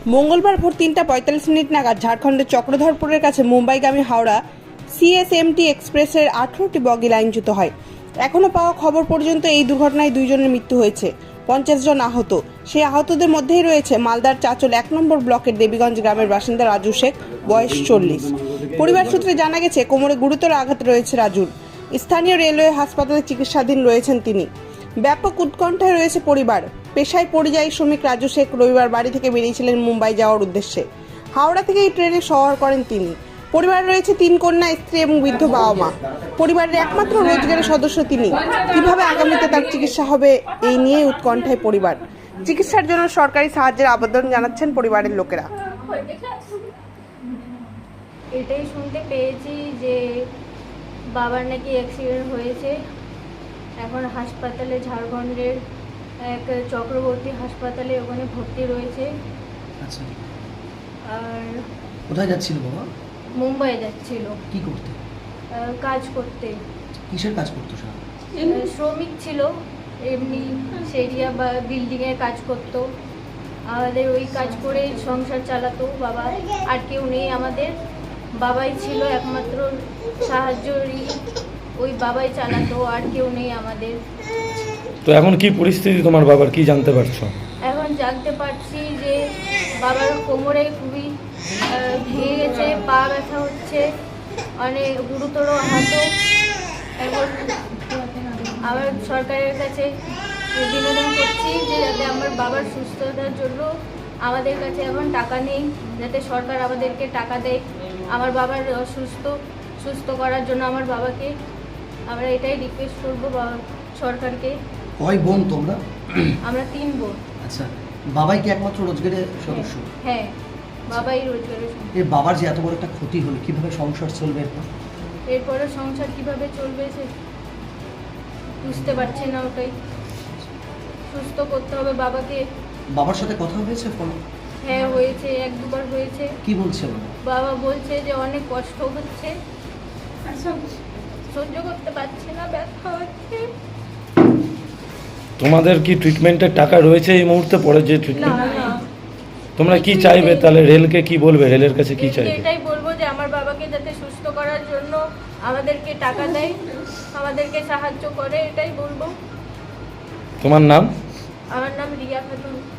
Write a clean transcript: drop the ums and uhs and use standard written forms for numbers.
মঙ্গলবার ভোর 3:45 নাগাদ ঝাড়খণ্ডের চক্রধরপুরের কাছে মুম্বাইগামী হাওড়া সিএসএমটি এক্সপ্রেসের 18টি বগি লাইনচ্যুত হয়। এখনও পাওয়া খবর পর্যন্ত এই দুর্ঘটনায় 2 জনের মৃত্যু হয়েছে, 50 জন আহত। সেই আহতদের মধ্যেই রয়েছে মালদার চাচল 1 নম্বর ব্লকের দেবীগঞ্জ গ্রামের বাসিন্দা রাজু শেখ, বয়স 40। পরিবার সূত্রে জানা গেছে কোমরে গুরুতর আঘাত রয়েছে রাজুর। স্থানীয় রেলওয়ে হাসপাতালে চিকিৎসাধীন রয়েছেন তিনি। ব্যাপক উৎকণ্ঠায় রয়েছে পরিবার। পেশায় পরিযায়ী শ্রমিক রাজু শেখ রবিবার বাড়ি থেকে বেরিয়েছিলেন মুম্বাই যাওয়ার উদ্দেশ্যে। হাওড়া থেকে এই ট্রেনে সওয়ার করেন তিনি। পরিবারে রয়েছে 3 কন্যা, স্ত্রী এবং বৃদ্ধ বাবা মা। পরিবারের একমাত্র রোজগারের সদস্য তিনি। কিভাবে আগামীতে তার চিকিৎসা হবে এই নিয়ে উৎকণ্ঠায় পরিবার। চিকিৎসার জন্য সরকারি সাহায্যের আবেদন জানাচ্ছেন পরিবারের লোকেরা। এটাই শুনতে পেয়েছি যে বাবার নাকি অ্যাক্সিডেন্ট হয়েছে। এখন হাসপাতালে, ঝাড়খণ্ডের এক চক্রবর্তী হাসপাতালে ওখানে ভর্তি রয়েছে। আচ্ছা, আর কোথায় যাচ্ছিল বাবা? মুম্বাই যাচ্ছিল। কি করতে? কাজ করতে। কিসের কাজ করতো স্যার? শ্রমিক ছিল, এমনি সেরিয়া বা বিল্ডিংয়ের কাজ করতো। আমাদের ওই কাজ করে সংসার চালাতো বাবা। আর কেউ নেই আমাদের, বাবাই ছিল একমাত্র সাহায্যই, ওই বাবাই চালাতো, আর কেউ নেই আমাদের। তো এখন কি পরিস্থিতি তোমার বাবার, কি জানতে পারছো? এখন জানতে পারছি যে বাবার কোমরে খুবই ভেঙে গেছে, পা ব্যথা হচ্ছে, অনেক গুরুতর আহত। এখন আমার সরকারের কাছে বিনোদন করছি যে যাতে আমার বাবার সুস্থতার জন্য, আমাদের কাছে এখন টাকা নেই, যাতে সরকার আমাদেরকে টাকা দেয় আমার বাবার সুস্থ করার জন্য। আমার বাবাকে আমরা এটাই রিকোয়েস্ট করবো সরকারকে। কয় বোন তোমরা? আমরা 3 বোন। আচ্ছা, বাবাই কি একমাত্র রোজগারের সদস্য? হ্যাঁ, বাবাই রোজগারের সদস্য। এই বাবার যে এত বড় একটা ক্ষতি হলো, কিভাবে সংসার চলবে এরপর? এরপরে সংসার কিভাবে চলবে সে বুঝতে পারছি না। ওটাই সুস্থ করতে হবে বাবাকে। বাবার সাথে কথা হয়েছে ফোনে? হ্যাঁ, হয়েছে, 1-2 বার হয়েছে। কি বলছে বাবা? বাবা বলছে যে অনেক কষ্ট হচ্ছে, সহ্য করতে পারছি না, ব্যথা হচ্ছে। তোমাদের কি ট্রিটমেন্টের টাকা রয়েছে এই মুহূর্তে? পরে যে না ট্রিটমেন্ট, না, তোমরা কি চাইবে তাহলে? রেলকে কি বলবে? রেলের কাছে কি চাইবে? এটাই বলবো যে আমার বাবাকে যাতে সুস্থ করার জন্য আমাদেরকে টাকা দেয়, আমাদেরকে সাহায্য করে, এটাই বলবো। তোমার নাম? আমার নাম রিয়া খাতুন।